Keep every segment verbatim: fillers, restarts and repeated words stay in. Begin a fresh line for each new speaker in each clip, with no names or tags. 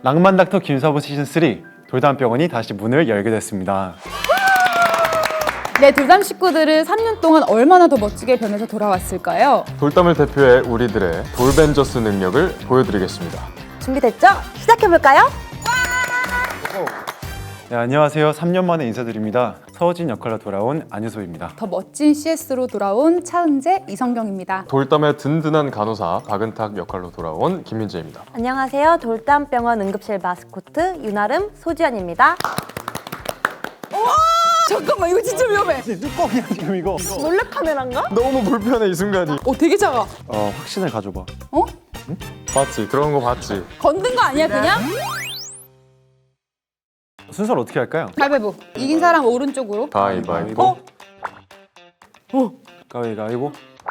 낭만 닥터 김사부 시즌 쓰리 돌담병원이 다시 문을 열게 됐습니다.
네, 돌담 식구들은 삼 년 동안 얼마나 더 멋지게 변해서 돌아왔을까요?
돌담을 대표해 우리들의 돌벤져스 능력을 보여드리겠습니다.
준비됐죠? 시작해볼까요?
네, 안녕하세요. 삼 년 만에 인사드립니다. 서우진 역할로 돌아온 안유소입니다.
더 멋진 씨에스로 돌아온 차은재, 이성경입니다.
돌담의 든든한 간호사 박은탁 역할로 돌아온 김민재입니다.
안녕하세요. 돌담병원 응급실 마스코트 윤아름, 소지연입니다.
잠깐만, 이거 진짜 위험해.
뚜껑이야 지금 이거.
몰래 카메라인가?
너무 불편해 이 순간이.
어, 되게 작아.
어, 확신을 가져봐.
어?
봤지? 들어간 거 봤지?
건든 거 아니야, 그냥?
순서를 어떻게 할까요?
가위바위보. 이긴 사람 오른쪽으로.
가위바위보.
어? 어? 가위가위보.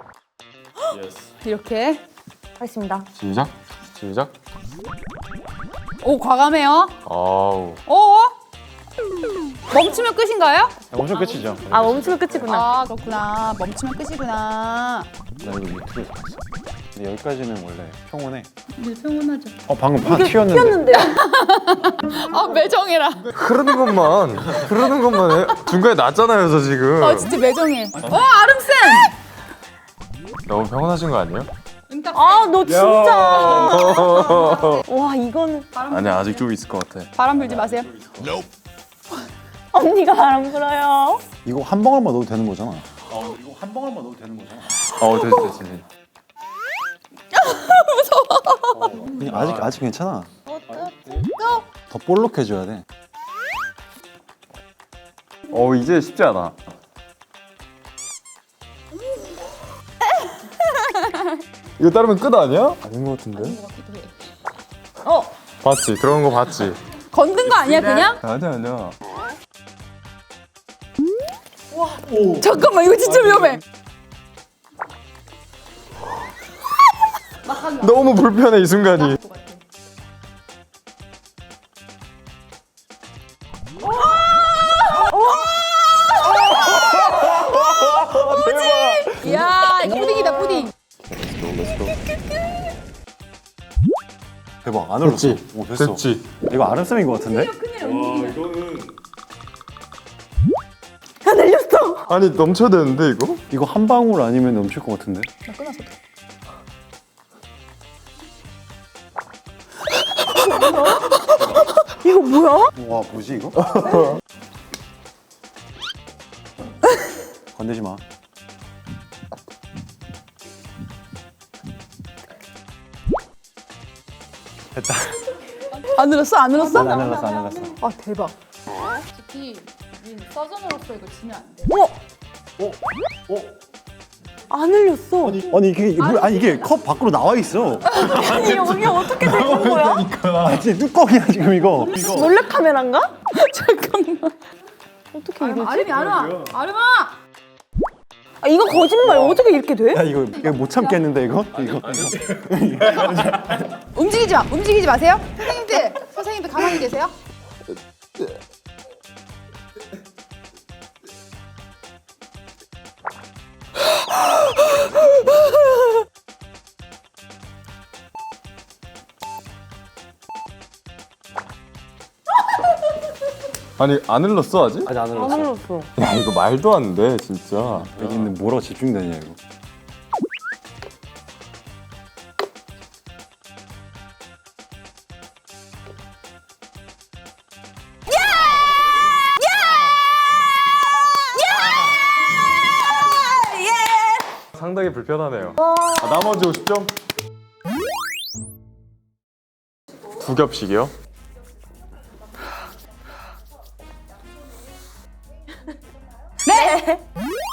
이렇게.
하겠습니다.
시작. 시작.
오, 과감해요.
아우.
어? 멈추면 끝인가요?
엄청 끝이죠.
아, 멈추면 끝이구나.
아, 그렇구나. 멈추면 끝이구나.
나 이거 유튜브에서 봤어. 근데 여기까지는 원래 평온해.
네, 평온하죠.
어, 방금 파 튀었는데.
튀었는데요?
아, 매정해라.
흐르는 것만 흐르는 것만 해. 중간에 났잖아요 저 지금.
아, 진짜 매정해. 어, 아름쌤!
너무 평온하신 거 아니에요?
아, 너 진짜. 와, 이거는.
아니야 아직 좀 있을 것 같아.
바람 불지 마세요.
언니가 바람 불어요.
이거 한 방울만 넣어도 되는 거잖아. 어, 이거 한 방울만 넣어도 되는 거잖아.
어 됐지 됐지.
그냥 아직 아직 괜찮아. 더 볼록해져야 돼.
어 이제 쉽지 않아. 이거 따르면 끝 아니야? 아닌 것 같은데?
어.
봤지? 들어간 거 봤지?
건든 거 아니야, 그냥?
아니야 아니야.
잠깐만, 이거 진짜 위험해.
너무 불편해 이 순간이.
이야, 이거 푸딩이다, 푸딩.
대박 안 흘렀어.
됐지?
오, 됐어.
됐지?
이거 아름쌤인 것 같은데?
안 흘렸어.
아니 넘쳐야 되는데 이거?
이거 한 방울 아니면 넘칠 것 같은데?
나 끊었어.
이거 뭐야?
와 뭐지 이거? 건들지 마. 됐다.
안 늘었어? 안 늘었어?
안 흘렀어 안 흘렀어.
아, 대박. 솔직히 민 서전으로서 이거 지면 안 돼.
어?
어?
안 흘렸어.
아니 이게 물 아니 이게 컵 밖으로 나와 있어.
아니, 여기 어떻게 된 거야?
아 진짜 뚜껑이야 지금 이거.
몰래 카메라인가?
잠깐만.
어떻게 이러지?
아름이 안 와. 아름아!
아, 이거 거짓말. 어떻게 이렇게 돼?
야 이거 이거 못 참겠는데 이거? 이거.
움직이지 마. 움직이지 마세요. 선생님들, 선생님들 가만히 계세요.
아니 안 흘렀어 아직?
아직 안
안
흘렀어.
흘렀어.
야 이거 말도 안 돼 진짜.
여기 있는 뭐라고 집중되냐 이거.
상당히 불편하네요. 아, 나머지 오십 점? 두 겹씩이요?
네!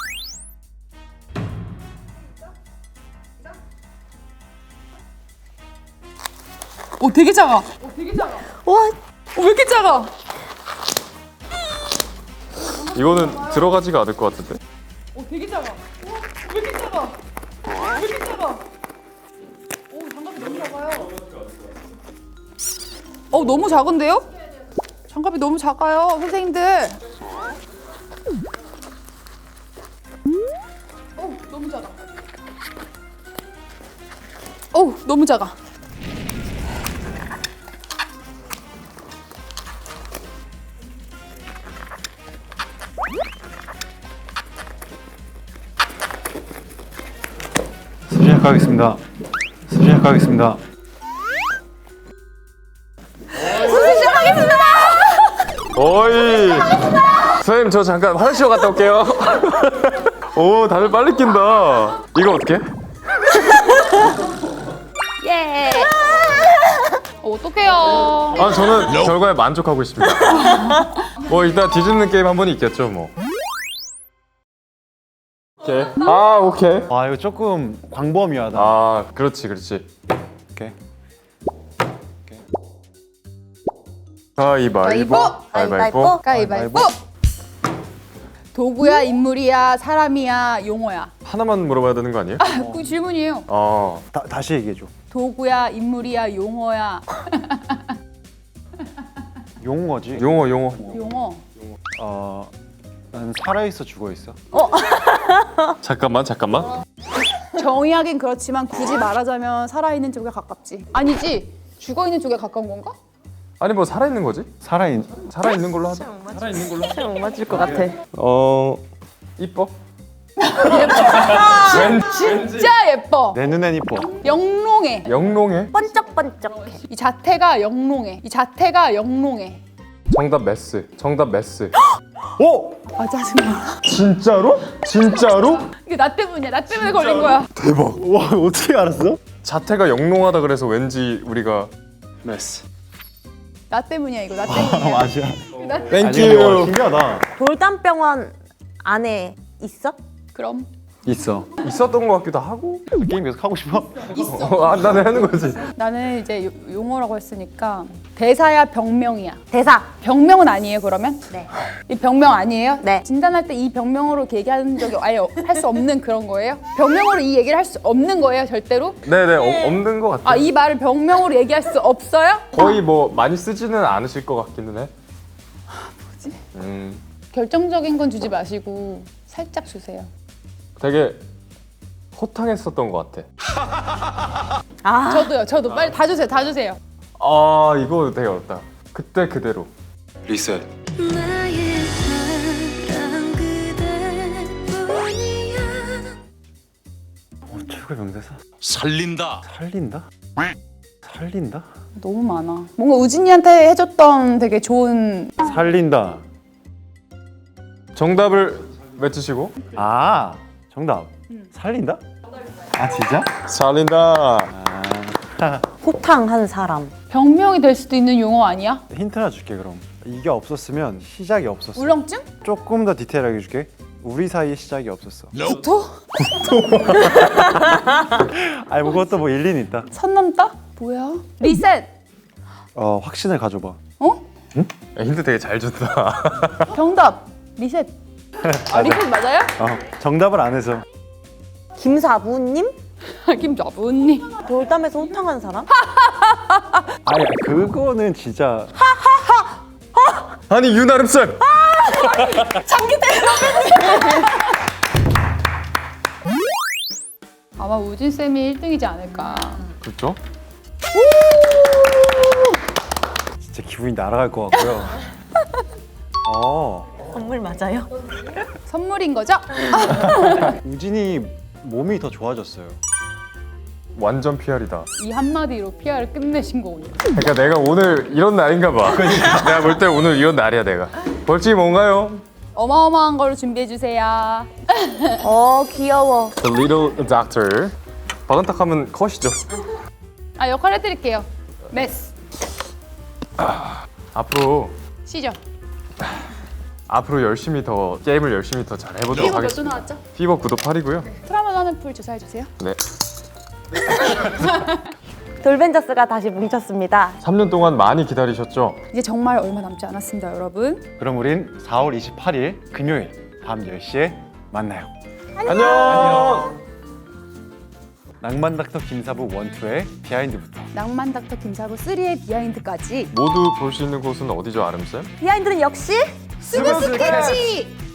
오, 되게 작아. 오, 되게 작아.
와,
어, 왜 이렇게 작아?
이거는 들어가지가 않을 것 같은데.
오, 되게 작아. 우와, 왜 이렇게 작아? 왜 이렇게 작아? 오, 장갑이 너무 작아요. 어, 너무 작은데요? 장갑이 너무 작아요, 선생님들. 어, 너무 작아. 어, 너무 작아.
시작하겠습니다. 시작하겠습니다.
수술 시작하겠습니다.
어이. 선생님 저 잠깐 화장실 갔다 올게요. 오 다들 빨리 낀다. 이거 어떻게?
예.
어떡해요.
아 저는 결과에 만족하고 있습니다. 뭐 일단 뒤집는 게임 한 번 있겠죠 뭐. 오케이. 아 오케이.
와 이거 조금 광범위하다.
아 그렇지 그렇지.
오케이.
가위바위보. 가위바위보.
가위바위보. 도구야, 인물이야, 사람이야, 용어야.
하나만 물어봐야 되는 거 아니에요?
그 질문이에요.
어.
다, 다시 얘기해줘.
도구야, 인물이야, 용어야.
용어지.
용어 용어.
용어.
어, 난 살아있어 죽어있어.
잠깐만 잠깐만.
정의하긴 그렇지만 굳이 말하자면 살아있는 쪽에 가깝지. 아니지. 죽어있는 쪽에 가까운 건가?
아니 뭐 살아 있는 거지?
살아있.
살아 있는 걸로 하자. 살아 있는 걸로.
못 맞을 것 같아.
어 이뻐.
진짜 예뻐.
내 눈엔 이뻐.
영롱해.
영롱해.
번쩍번쩍해.
이 자태가 영롱해. 이 자태가 영롱해.
정답 메스. 정답 메스.
오!
아 짜증나.
진짜로? 진짜로?
이게 나 때문이야. 나 때문에 걸린 거야.
대박.
와 어떻게 알았어?
자태가 영롱하다 그래서 왠지 우리가
메스.
나 때문이야 이거. 나
아
때문이야.
맞아.
나
아니, 근데 와, 신기하다.
돌담병원 안에 있어?
그럼
있어.
있었던 것 같기도 하고.
게임 계속 하고 싶어?
어, 아, 나는 하는 거지.
나는 이제 요- 용어라고 했으니까 대사야 병명이야.
대사.
병명은 아니에요 그러면?
네.
이 병명 아니에요?
네.
진단할 때 이 병명으로 이렇게 얘기하는 적이 아예 할 수 없는 그런 거예요? 병명으로 이 얘기를 할 수 없는 거예요 절대로?
네네 어, 없는 것 같아.
아 이 말을 병명으로 얘기할 수 없어요?
거의 뭐 많이 쓰지는 않으실 것 같기는 해.
뭐지?
음,
결정적인 건 주지 마시고 살짝 주세요.
되게 호탕했었던 것 같아.
아.
저도요. 저도 빨리 다 주세요. 다 주세요.
아 이거 되게 어렵다. 그때 그대로.
리셋.
나의 사랑 그대뿐이야.
어, 최고의 명대사.
살린다.
살린다? 살린다?
너무 많아. 뭔가 우진이한테 해줬던 되게 좋은
살린다.
정답을 외치시고.
아 정답. 살린다? 아 진짜?
살린다.
호탕한 사람.
병명이 될 수도 있는 용어 아니야?
힌트 하나 줄게 그럼. 이게 없었으면 시작이 없었어.
울렁증?
조금 더 디테일하게 줄게. 우리 사이에 시작이 없었어.
구토?
아니 뭐 그것도 뭐 일리는 있다.
선 넘다? 뭐야? 리셋!
어 확신을 가져봐.
어?
야, 힌트 되게 잘 준다.
정답! 리셋! 아 리셋 맞아요?
어 정답을 안 해서.
김사부님?
김자분님
돌담에서 호탕한 사람?
아니 그거는 진짜.
아니 유나름 쌤.
아마 우진쌤이 일 등이지 않을까.
그렇죠?
진짜 기분이 날아갈 것 같고요. 어
선물 맞아요?
선물인 거죠?
우진이 몸이 더 좋아졌어요.
완전 피알이다.
이 한마디로 피아를 끝내신 거군요.
그러니까 내가 오늘 이런 날인가 봐. 내가 볼 때 오늘 이런 날이야 내가. 벌칙이 뭔가요?
어마어마한 걸로 준비해주세요.
어 귀여워.
The Little Doctor. 바른탁하면 컷이죠.
아 역할 해드릴게요. 메스
앞으로
시죠.
앞으로 열심히 더 게임을 열심히 더 잘 해보도록
피부 몇도
하겠습니다.
나왔죠?
피버 구독 팔이고요.
트라우마 하는 풀 주사해주세요.
네.
돌벤져스가 다시 뭉쳤습니다.
삼 년 동안 많이 기다리셨죠?
이제 정말 얼마 남지 않았습니다, 여러분.
그럼 우린 사월 이십팔일 금요일 밤 열 시에 만나요.
안녕.
낭만 닥터 김사부 일, 이의 비하인드부터.
낭만 닥터 김사부 삼의 비하인드까지
모두 볼 수 있는 곳은 어디죠, 아름쌤?
비하인드는 역시
스브스 캐치!